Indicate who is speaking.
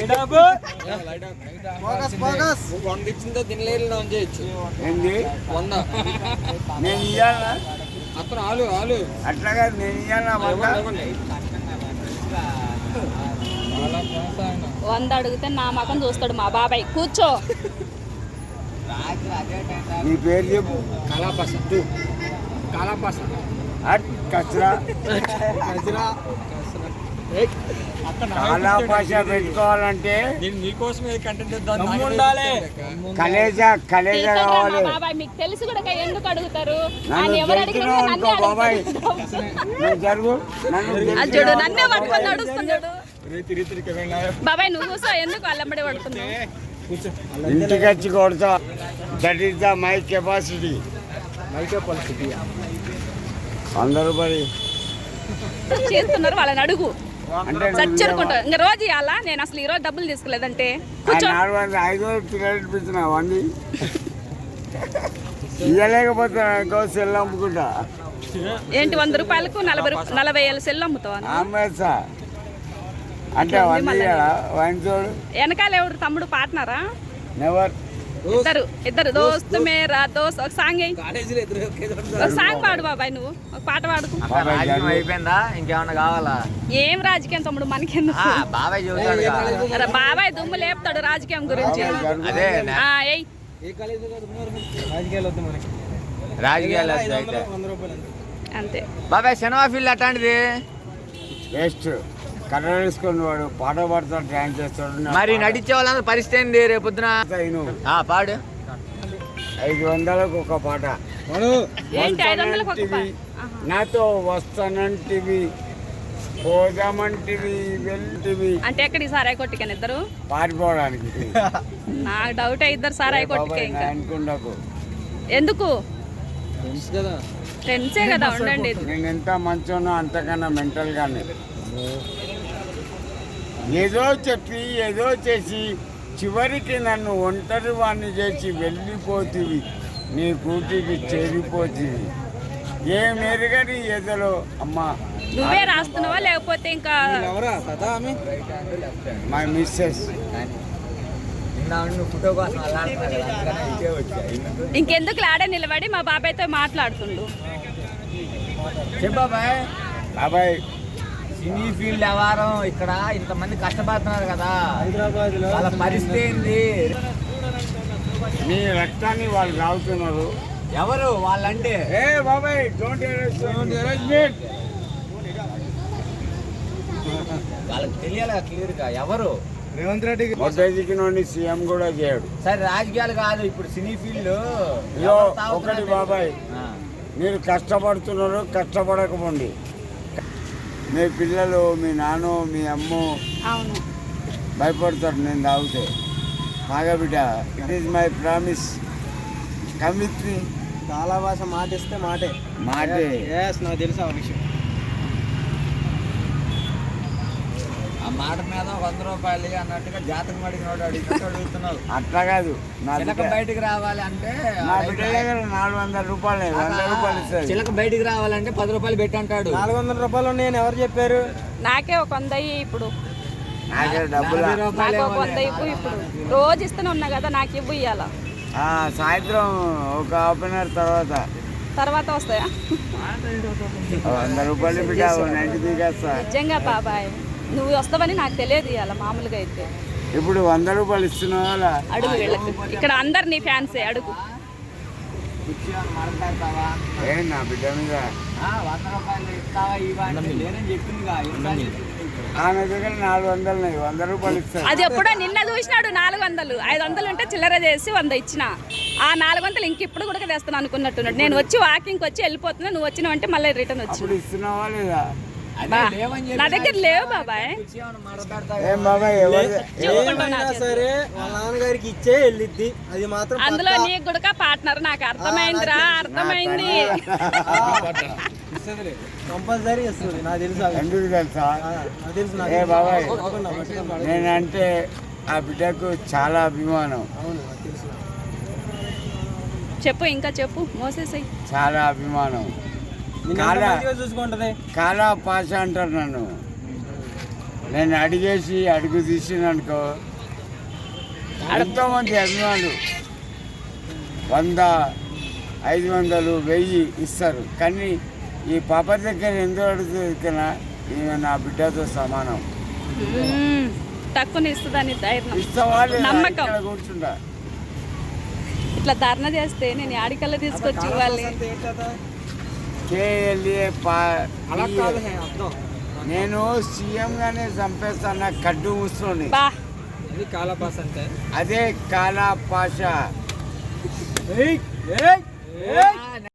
Speaker 1: 100 ఇచ్చిందో తినలేదు చేయొచ్చు.
Speaker 2: ఏంది
Speaker 1: 100
Speaker 2: నేను ఇయ్యాలా?
Speaker 1: అతను ఆలు
Speaker 2: అట్లాగా నేను ఇయ్యాలా?
Speaker 3: 100 అడిగితే నా మకం చూస్తాడు మా బాబాయ్. కూర్చో.
Speaker 2: నీ పేరు చెప్పు.
Speaker 1: కాలాపాస
Speaker 2: అట్ కచరా కాలాపాష పెట్టుకోవాలంటే
Speaker 1: నీకోసమే కంటెంట్
Speaker 2: కలేజా
Speaker 3: తీస్తాడు రా
Speaker 2: కావాలి.
Speaker 3: మా బాబాయ్. మీకు తెలిసి కూడా ఎందుకు అడుగుతారు?
Speaker 2: నన్ను
Speaker 3: ఆయన ఎవరు అడిగినా
Speaker 2: తెలిసినావు
Speaker 3: నన్నే
Speaker 2: అనుకో బాబాయ్.
Speaker 3: అడుగుతాడు.
Speaker 2: నువ్వు జరుగు. నన్ను
Speaker 3: అది చూడు
Speaker 2: తెలిసినావు
Speaker 3: నన్నే పట్టుకొని నడుస్తున్నాడు.
Speaker 1: రీతి
Speaker 3: బాబాయ్ నువ్వు కూర్చో. ఎందుకు అల్లమ్మడి పడుతున్నావు?
Speaker 2: ఇంటికి వచ్చి కొడతా. That is the my capacity. 100 రూపాయలు
Speaker 3: చేస్తున్నారు వాళ్ళని అడుగు.
Speaker 2: అంటే
Speaker 3: చచ్చెరుకుంటారు. ఇంకా రోజు ఇవ్వాలా? నేను అసలు ఈ రోజు డబ్బులు తీసుకోలేదంటే కూర్చో.
Speaker 2: 5 పిల్లలు ఇప్పించిన వండి ఇవ్వలేకపోతే ఇంకో సెల్ అమ్ముకుంటా.
Speaker 3: ఏంటి 100 రూపాయలకు 40 ఏళ్ళ సెల్ అమ్ముతావా?
Speaker 2: అమ్మేస్తా అంటే వండి వన్ చూడు.
Speaker 3: వెనకాల ఎవరు తమ్ముడు పార్ట్నరా?
Speaker 2: నెవర్.
Speaker 3: ఇద్దరు దోస్తు మేరా దోస్త్. ఒక సాంగ్ ఒక సాంగ్ పాడు బాబాయ్. నువ్వు ఒక పాట పాడుకు.
Speaker 1: అయిపోయిందా? ఇంకేమన్నా కావాలా?
Speaker 3: ఏం రాజకీయం తమ్ముడు మనకెందుకు?
Speaker 1: బాబాయ్ చూస్తాడు.
Speaker 3: అరే బాబాయ్ దుమ్ము లేపుతాడు రాజకీయం గురించి.
Speaker 1: అదే
Speaker 3: ఏయ్
Speaker 1: రాజకీయాలు
Speaker 3: అంతే.
Speaker 1: బాబాయ్ సినిమా ఫీల్డ్ అట్లాంటిది
Speaker 2: వేస్ట్. కర్ర వేసుకొని వాడు పాట పాడతాడు, డ్యాన్స్ చేస్తాడు.
Speaker 1: మరి నటించే వాళ్ళందరూ పరిస్థితి ఏంది రేపొద్దున? పాడు.
Speaker 2: 500కు ఒక పాట.
Speaker 3: ఏంటి 500లకు ఒక పాట?
Speaker 2: నాతో వస్తానంటివి, పోదామంటివి, వెళ్తివి.
Speaker 3: అంటే ఎక్కడి సారాయి కొట్టికని ఇద్దరు
Speaker 2: పారిపోవడానికి.
Speaker 3: నాకు డౌట్ ఇద్దరు సారాయి కొట్టికే. ఇంకా
Speaker 2: అనుకుంటాకు
Speaker 3: ఎందుకు? ఫ్రెండ్సే కదా ఉండండి.
Speaker 2: నేను ఎంత మంచోనో అంతకన్నా మెంటల్ గానే ఏదో చెప్పి ఏదో చేసి చివరికి నన్ను ఒంటరి వాణ్ణి చేసి వెళ్ళిపోతివి, నీ కూటికి చేరిపోతివి. ఏ మెరుగని ఎదలో అమ్మా.
Speaker 3: నువ్వే రాస్తున్నావా లేకపోతే ఇంకా?
Speaker 2: My missus.
Speaker 3: ఇంకెందుకు ఆడే నిలబడి మా బాబాయ్తో మాట్లాడుతుండు.
Speaker 1: చెప్పాబాయ్.
Speaker 2: బాబాయ్
Speaker 1: సినీ ఫీల్డ్ వ్యవహారం ఇక్కడ ఇంతమంది కష్టపడుతున్నారు కదా, వాళ్ళ పరిస్థితి ఏంది?
Speaker 2: నీ రక్తాన్ని వాళ్ళు తాగుతున్నారు.
Speaker 1: ఎవరు వాళ్ళంటే?
Speaker 2: ఏ బాబాయ్ డోంట్
Speaker 1: వాళ్ళకి తెలియాలి క్లియర్ గా ఎవరు.
Speaker 2: రేవంత్ రెడ్డికి మొదటికి సీఎం కూడా చేయడు.
Speaker 1: సరే రాజకీయాలు కాదు, ఇప్పుడు సినీ ఫీల్డ్
Speaker 2: ఒకటి బాబాయ్, మీరు కష్టపడుతున్నారు, కష్టపడకపోండి. మీ పిల్లలు, మీ నాన్న, మీ అమ్మ భయపడతారు నేను తాగితే. బాగా బిడ్డ, it is my promise. Come with me.
Speaker 4: చాలా భాష మాట ఇస్తే మాటే నాకు తెలుసు ఆ విషయం.
Speaker 1: ఆ మాట మీద 100 రూపాయలు అన్నట్టుగా జాతకం అడుగుతున్నారు.
Speaker 2: అట్లా కాదు,
Speaker 1: చిలక బయటకు రావాలి అంటే
Speaker 2: నా బిడ్డ దగ్గర 400 రూపాయలు 100 రూపాయలు ఇస్తారు.
Speaker 1: చిలక బయటకు రావాలంటే 10 రూపాయలు పెట్టి అంటాడు.
Speaker 4: 400 రూపాయలు నేను ఎవరు చెప్పారు?
Speaker 3: నాకే ఒక 100 ఇప్పుడు.
Speaker 2: నాకే డబ్బులు
Speaker 3: నాకు ఒక 100 ఇవ్వు. ఇప్పుడు రోజు ఇస్తూనే ఉన్నా కదా, నాకు ఇవ్వు. ఇవ్వాలా?
Speaker 2: సాయంత్రం ఒక హాఫ్ అన్ అవర్
Speaker 3: తర్వాత వస్తాయా?
Speaker 2: 100 రూపాయలు బిడ్డ 90 దిగేస్తా.
Speaker 3: నిజంగా బాబాయ్ నువ్వు వస్తావని నాకు తెలియదు. ఇవ్వాల మామూలుగా అయితే
Speaker 2: ఇప్పుడు 100 రూపాయలు ఇస్తున్నావా?
Speaker 3: అడుగు వీళ్ళకి. ఇక్కడ అందరు నీ ఫ్యాన్సే. అడుగు.
Speaker 2: ఏ నా బిడ్డ మీద
Speaker 1: 100 రూపాయలు ఇస్తావా ఇవ్వండి లేదని చెప్పింది.
Speaker 2: ఆమె దగ్గర 400 ఉన్నాయి, 100 రూపాయలు ఇస్తాను.
Speaker 3: అది ఎప్పుడో నిన్న చూసినాడు 400. 500 ఉంటే చిల్లర చేసి 100 ఇచ్చిన. ఆ 400 ఇంక ఇప్పుడు కూడా తెస్తాను అనుకున్నట్టున్నాడు. నేను వచ్చి వాకింగ్కి వచ్చి వెళ్ళిపోతున్నా, నువ్వు వచ్చినావంటే మళ్ళీ రిటర్న్ వచ్చి.
Speaker 2: ఇస్తున్నావా లేదా?
Speaker 3: నా దగ్గర లేవు బాబాయ్.
Speaker 2: ఏం బాబాయ్
Speaker 4: సరే వాళ్ళ నాన్నగారికి ఇచ్చే వెళ్ళిద్ది, అది మాత్రం.
Speaker 3: అందులో నీ గుడక పార్ట్నర్. నాకు అర్థమైందిరా, అర్థమైంది.
Speaker 4: కంపల్సరీ ఇస్తుంది నాకు తెలుసు.
Speaker 2: ఎందుకు తెలుసా?
Speaker 4: తెలుసు.
Speaker 2: ఏ బాబాయ్, నేనంటే ఆ బిడ్డకు చాలా అభిమానం.
Speaker 3: చెప్పు, ఇంకా చెప్పు. మోసేసాయి.
Speaker 2: చాలా అభిమానం.
Speaker 4: చూసుకుంటది.
Speaker 2: కాలా పాష అంటారు నన్ను. నేను అడిగేసి అడుగు తీసిననుకో ఎంతోమంది అభిమానులు 100, 500, 1000 ఇస్తారు. కానీ ఈ పాప దగ్గర ఎందుకు అడుగుతున్నా ఈమె నా బిడ్డతో సమానం.
Speaker 3: తక్కువ ఇస్తుందని ధైర్యం
Speaker 2: ఇస్తావాళ్ళు
Speaker 3: నమ్మకం.
Speaker 2: కూర్చుంటా
Speaker 3: ఇట్లా ధర్నా చేస్తే నేను ఆడికల్లా తీసుకొచ్చి ఇవ్వాలి.
Speaker 2: కేఎల్ఏ
Speaker 4: అలా కాదు అర్థం.
Speaker 2: నేను సీఎంగానే చంపేస్తాను కడ్డు మూసుకొని.
Speaker 3: బా
Speaker 4: ఇది కాలపాస్ అంటే
Speaker 2: అదే కాలా పాష.